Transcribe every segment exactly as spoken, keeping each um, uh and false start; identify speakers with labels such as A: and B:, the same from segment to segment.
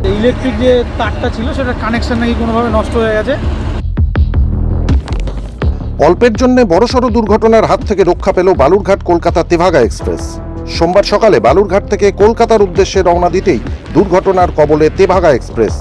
A: Electric যে তারটা ছিল সেটা কানেকশন নাকি কোনোভাবে নষ্ট হয়ে গেছে।
B: অল্পের জন্য বড়সড় দুর্ঘটনার হাত থেকে রক্ষা পেল বালুরঘাট কলকাতা তেভাগা এক্সপ্রেস। সোমবার সকালে বালুরঘাট থেকে কলকাতার উদ্দেশ্যে রওনা দিতেই দুর্ঘটনার কবলে তেভাগা এক্সপ্রেস।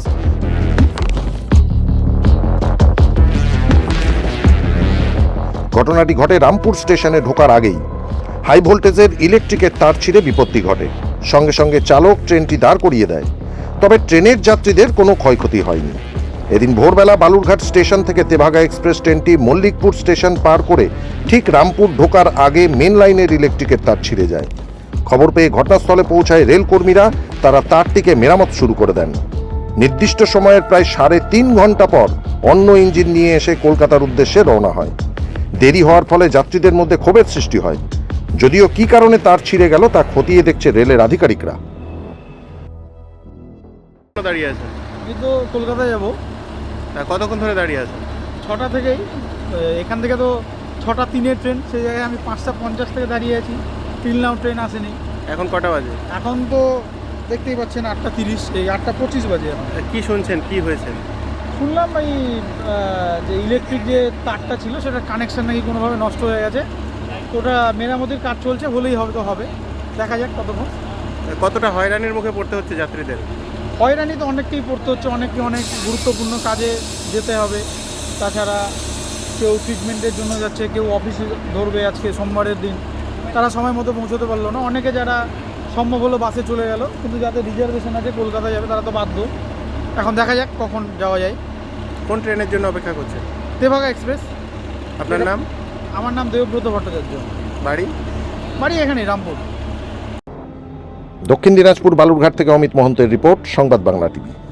B: ঘটনাটি ঘটে রামপুর স্টেশনে ঢোকার আগেই। হাই ভোল্টেজের ইলেকট্রিকের তার ছিঁড়ে বিপত্তি ঘটে। সঙ্গে সঙ্গে চালক ট্রেনটি দাঁড় করিয়ে দেয়। তবে ট্রেনের যাত্রীদের কোনো ক্ষয়ক্ষতি হয়নি। এদিন ভোরবেলা বালুরঘাট স্টেশন থেকে তেভাগা এক্সপ্রেস ট্রেনটি মল্লিকপুর স্টেশন পার করে ঠিক রামপুর ঢোকার আগে মেন লাইনের ইলেকট্রিকের তার ছিঁড়ে যায়। খবর পেয়ে ঘটনাস্থলে পৌঁছায় রেল কর্মীরা। তারা তারটিকে মেরামত শুরু করে দেন। নির্দিষ্ট সময়ের প্রায় সাড়ে তিন ঘন্টা পর অন্য ইঞ্জিন নিয়ে এসে কলকাতার উদ্দেশ্যে রওনা হয়। দেরি হওয়ার ফলে যাত্রীদের মধ্যে ক্ষোভের সৃষ্টি হয়। যদিও কি কারণে তার ছিঁড়ে গেল তা খতিয়ে দেখছে রেলের আধিকারিকরা।
C: দাঁড়িয়ে আছে,
A: আমি তো কলকাতায় যাবো।
C: কতক্ষণ ধরে দাঁড়িয়ে আছে?
A: ছটা থেকেই, এখান থেকে তো ছটা তিনের ট্রেন, সেই জায়গায় আমি পাঁচটা পঞ্চাশ থেকে দাঁড়িয়ে আছি। তিন নাও ট্রেন আসেনি।
C: এখন কটা বাজে?
A: এখন তো দেখতেই পাচ্ছেন আটটা তিরিশ, এই আটটা পঁচিশ বাজে। এখন
C: কি শুনছেন, কি হয়েছে?
A: শুনলাম এই যে ইলেকট্রিক যে তারটা ছিল সেটা কানেকশন নাকি কোনোভাবে নষ্ট হয়ে গেছে। ওটা মেরামতির কাজ চলছে, হলেই হবে তো হবে, দেখা যাক কতক্ষণ।
C: কতটা হয়রানির মুখে পড়তে হচ্ছে যাত্রীদের?
A: হয়রানি তো অনেককেই পড়তে হচ্ছে, অনেককে অনেক গুরুত্বপূর্ণ কাজে যেতে হবে। তাছাড়া কেউ ট্রিটমেন্টের জন্য যাচ্ছে, কেউ অফিসে ধরবে আজকে সোমবারের দিন, তারা সময় মতো পৌঁছতে পারলো না। অনেকে যারা সম্ভব হলো বাসে চলে গেল, কিন্তু যাদের রিজার্ভেশন আছে কলকাতায় যাবে তারা তো বাধ্য। এখন দেখা যাক কখন যাওয়া যায়।
C: কোন ট্রেনের জন্য অপেক্ষা করছে?
A: তেভাগা এক্সপ্রেস।
C: আপনার নাম?
A: আমার নাম দেবব্রত ভট্টাচার্য।
C: বাড়ি?
A: বাড়ি এখানে রামপুর।
B: দক্ষিণ দিনাজপুর বালুরঘাট থেকে অমিত মহন্তের রিপোর্ট, সংবাদ বাংলা টিভি।